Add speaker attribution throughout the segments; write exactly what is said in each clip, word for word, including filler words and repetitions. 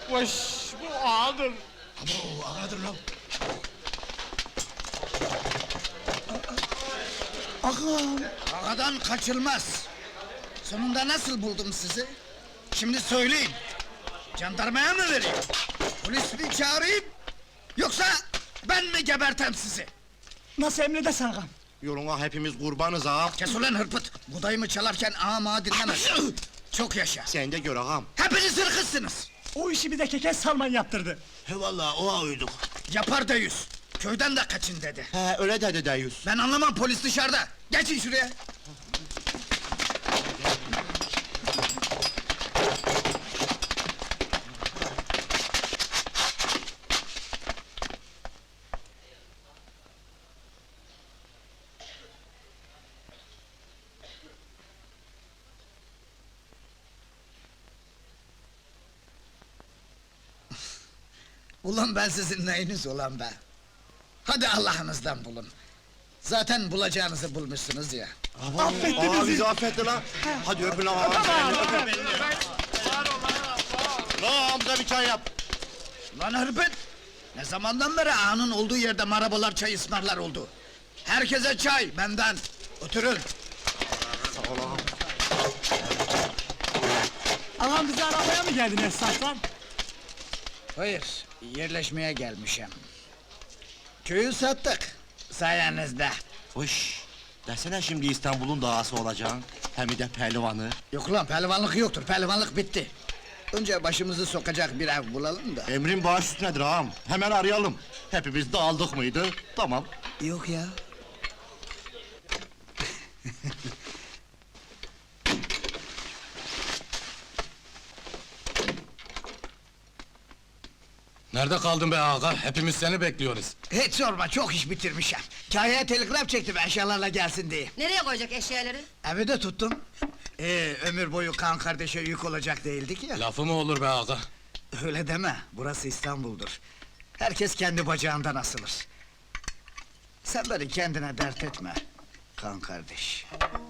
Speaker 1: Vış, bu ağadır.
Speaker 2: Abo, ağadır lan. Ağam! Ağadan kaçılmaz! Sonunda nasıl buldum sizi? Şimdi söyleyin! Jandarmaya mı vereyim? Polis mi çağırayım? Yoksa ben mi gebertem sizi?
Speaker 3: Nasıl emredersin ağam?
Speaker 4: Yoluna hepimiz kurbanız ağam.
Speaker 2: Kes ulan hırpıt! Budayımı çalarken ağam ağa dinlemez! Çok yaşa!
Speaker 4: Sen de gör ağam.
Speaker 2: Hepiniz hırkızsınız!
Speaker 3: O işi bir de Keke Salman yaptırdı.
Speaker 4: He vallahi oğa uyduk.
Speaker 2: Yapar da yüz! Köyden de kaçın dedi!
Speaker 4: He öyle dedi deyüz.
Speaker 2: Ben anlamam, polis dışarıda! Geçin şuraya! Ulan ben sizin neyiniz ulan be? Hadi Allah'ınızdan bulun! Zaten bulacağınızı bulmuşsunuz ya!
Speaker 3: Affetti
Speaker 4: Ağa
Speaker 3: bizi.
Speaker 4: bizi affetti lan. Hadi öpün ağam. Lan Hamza bir çay yap.
Speaker 2: Lan hırpet! Ne zamandan beri ağanın olduğu yerde marabalar çay ısmarlar oldu? Herkese çay, benden! Oturun!
Speaker 4: Sağ ol ağam.
Speaker 3: Ağam bizi aramaya mı geldin esnaftan?
Speaker 2: Hayır, yerleşmeye gelmişim. Köyü sattık, sayenizde.
Speaker 4: Hoş. Desene şimdi İstanbul'un dağası olacaksın. Hem de pehlivanı.
Speaker 2: Yok lan, pehlivanlık yoktur, pehlivanlık bitti. Önce başımızı sokacak bir ev bulalım da.
Speaker 4: Emrin bağış üstünedir ağam. Hemen arayalım. Hepimiz dağıldık mıydı? Tamam.
Speaker 2: Yok ya.
Speaker 1: Nerede kaldın be ağa? Hepimiz seni bekliyoruz.
Speaker 2: Hiç sorma, çok iş bitirmişim. Kahya'ya telgraf çektim eşyalarla gelsin diye.
Speaker 5: Nereye koyacak eşyaları?
Speaker 2: Evi de tuttum. Ee, ömür boyu kan kardeşe yük olacak değildik ya.
Speaker 1: Lafı mı olur be ağa?
Speaker 2: Öyle deme, burası İstanbul'dur. Herkes kendi bacağından asılır. Sen beni kendine dert etme, kan kardeş.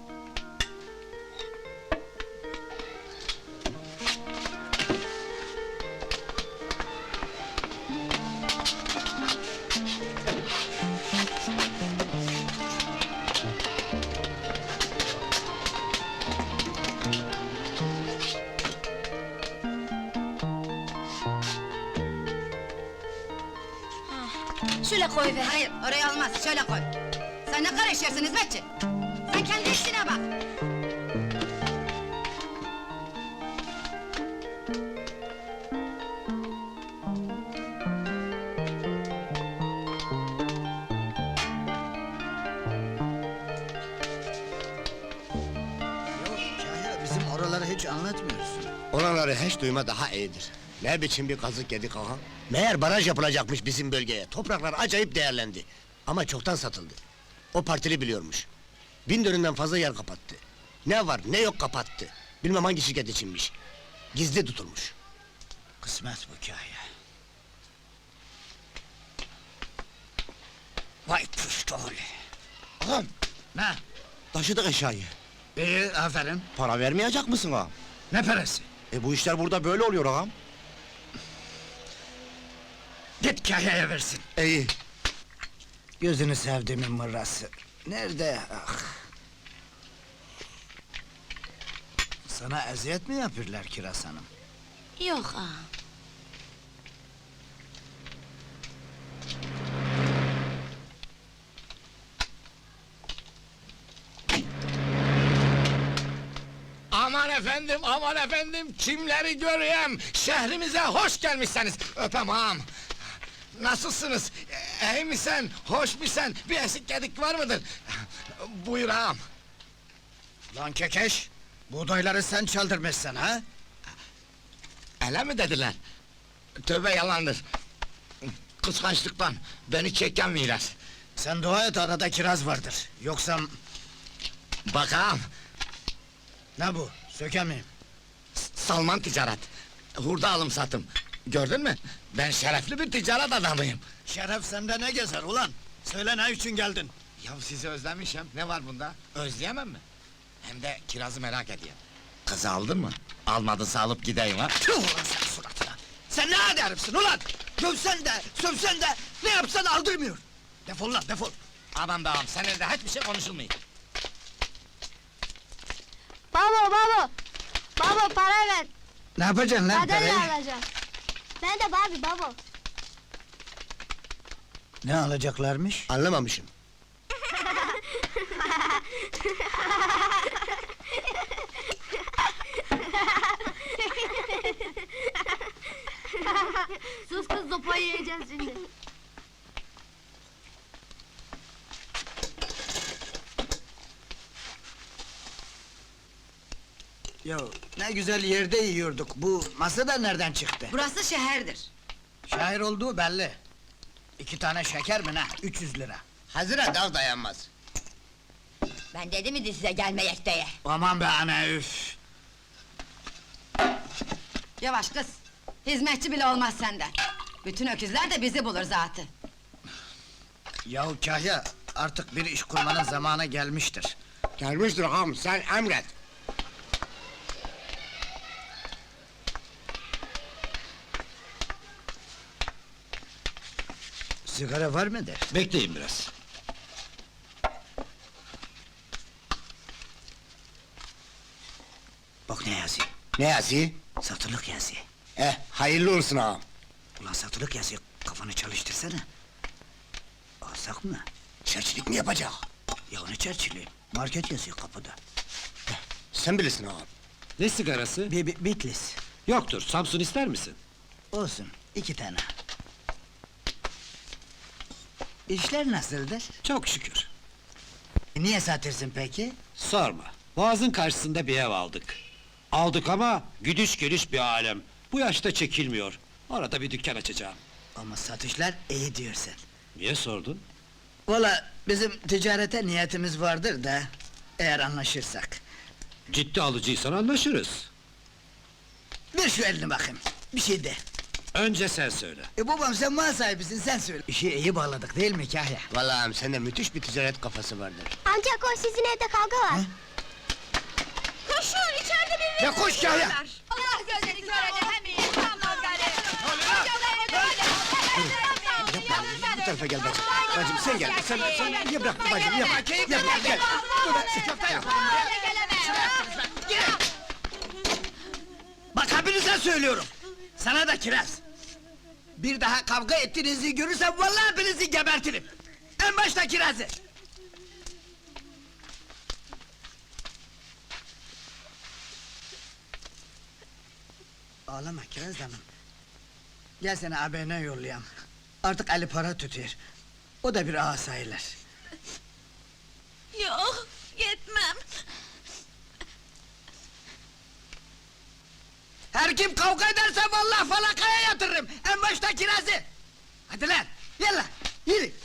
Speaker 5: Şöyle koy be. Hayır, oraya olmaz, şöyle koy. Sen ne karışıyorsun hizmetçi? Sen kendi işine bak.
Speaker 2: Yok Kahya, bizim oraları hiç anlatmıyorsun.
Speaker 6: Oraları hiç duyma daha iyidir. Ne biçim bir kazık yedik ağam? Meğer baraj yapılacakmış bizim bölgeye. Topraklar acayip değerlendi. Ama çoktan satıldı. O partili biliyormuş. Bin dönümden fazla yer kapattı. Ne var ne yok kapattı. Bilmem hangi şirket içinmiş. Gizli tutulmuş.
Speaker 2: Kısmet bu Kahya. Vay puştol!
Speaker 4: Ağam.
Speaker 2: Ne?
Speaker 4: Taşıdık eşyayı.
Speaker 2: İyi, aferin.
Speaker 4: Para vermeyecek misin ağam?
Speaker 2: Ne parası?
Speaker 4: E bu işler burada böyle oluyor ağam.
Speaker 2: Git Kahya'ya versin.
Speaker 4: İyi.
Speaker 2: Gözünü sevdiğimin mırrası. Nerede? Ah! Sana eziyet mi yapıyorlar Kiraz Hanım?
Speaker 5: Yok ağam.
Speaker 1: Aman efendim, aman efendim, kimleri göreyim? Şehrimize hoş gelmişsiniz. Öpem ağam. Nasılsınız? E, İyi misin? Hoş musun? Bir eksik gedik var mıdır? Buyur ağam.
Speaker 2: Lan kekeş! Buğdayları sen çaldırmışsın ha?
Speaker 1: Öyle mi dediler? Tövbe yalandır. Kıskançlıktan beni çeken miras.
Speaker 2: Sen dua et, arada kiraz vardır. Yoksa...
Speaker 1: Bak ağam,
Speaker 2: Ne bu? Sökemeyim.
Speaker 1: Salman ticaret. Hurda alım satım. Gördün mü? Ben şerefli bir ticaret adamıyım.
Speaker 2: Şeref sende ne gezer ulan? Söyle, ne için geldin?
Speaker 1: Ya sizi özlemişim, ne var bunda? Özleyemem mi? Hem de kirazı merak ediyorum. Kızı aldın mı? Almadınsa alıp gideyim ha?
Speaker 2: Tüh ulan sen suratına! Sen ne hadi herifsin ulan? Dövsen de, sövsen de, ne yapsan aldırmıyor. Defol lan, defol.
Speaker 1: Aman be ağam, seninle de hiçbir şey konuşulmuyor.
Speaker 7: Baba baba. Baba para ver.
Speaker 2: Ne yapacaksın lan
Speaker 7: Madalya
Speaker 2: parayı?
Speaker 7: alacağım. Ben de Barbie baba.
Speaker 2: Ne alacaklarmış?
Speaker 6: Anlamamışım.
Speaker 7: Sus kız sopayı yiyeceğiz şimdi.
Speaker 2: Ya ne güzel yerde yiyorduk. Bu masa da nereden çıktı?
Speaker 5: Burası şehirdir.
Speaker 2: Şair olduğu belli. İki tane şeker mi ne? üç yüz lira.
Speaker 6: Hazıra dav dayanmaz.
Speaker 5: Ben dedim mi size gelmeyek diye.
Speaker 2: Aman be ana üf!
Speaker 5: Yavaş kız. Hizmetçi bile olmaz senden. Bütün öküzler de bizi bulur zaten.
Speaker 2: Yahu Kahya, artık bir iş kurmanın zamanı gelmiştir.
Speaker 6: Gelmiştir ağam, sen emret.
Speaker 2: Sigara var mıdır?
Speaker 8: Bekleyin biraz.
Speaker 2: Bak ne yazıyor?
Speaker 6: Ne yazıyor?
Speaker 2: Satılık yazıyor.
Speaker 6: Eh, hayırlı olsun ağam.
Speaker 2: Ulan satılık yazıyor, kafanı çalıştırsana. Alsak mı?
Speaker 6: Çerçilik mi yapacak?
Speaker 2: Ya ne çerçili? Market yazıyor kapıda.
Speaker 6: Sen bilirsin ağam.
Speaker 8: Ne sigarası?
Speaker 2: Bir, bir Bitlis.
Speaker 8: Yoktur, Samsun ister misin?
Speaker 2: Olsun, iki tane. İşler nasıldır?
Speaker 8: Çok şükür.
Speaker 2: Niye satırsın peki?
Speaker 8: Sorma, Boğaz'ın karşısında bir ev aldık. Aldık ama güdüş geliş bir alem. Bu yaşta çekilmiyor. Orada bir dükkan açacağım.
Speaker 2: Ama satışlar iyi diyorsun.
Speaker 8: Niye sordun?
Speaker 2: Valla bizim ticarete niyetimiz vardır da... ...eğer anlaşırsak.
Speaker 8: Ciddi alıcıysan anlaşırız.
Speaker 2: Ver şu elini bakayım, bir şey de.
Speaker 8: Önce sen söyle.
Speaker 2: E babam sen mal sahibisin, sen söyle. İşi iyi bağladık değil mi Kahya?
Speaker 6: Vallahi ağam, sende müthiş bir ticaret kafası vardır.
Speaker 7: Amca koş sizin evde kavga var. Koşun içeride bir
Speaker 2: Ya koş Kahya!
Speaker 5: Allah gözünü görece hem iyi, tamam gari.
Speaker 6: Bu tarafa gel bacım. Bacım sen gel, sen, sen niye bıraktın bacım, yapma, yapma, gel.
Speaker 2: Köfte yapalım ya! Bak hepinize söylüyorum! Sana da kiraz! Bir daha kavga ettiğinizi görürsem vallahi hepinizi gebertirim! En başta kirazı! Ağlama Kiraz hanım. Gel seni ağabeyine yollayayım. Artık Ali para tutuyor. O da bir ağa sayılır.
Speaker 9: Yok, yetmem.
Speaker 2: Her kim kavga ederse vallahi falakaya yatırırım. En başta kirazı. Hadi lan, yallah, yürü.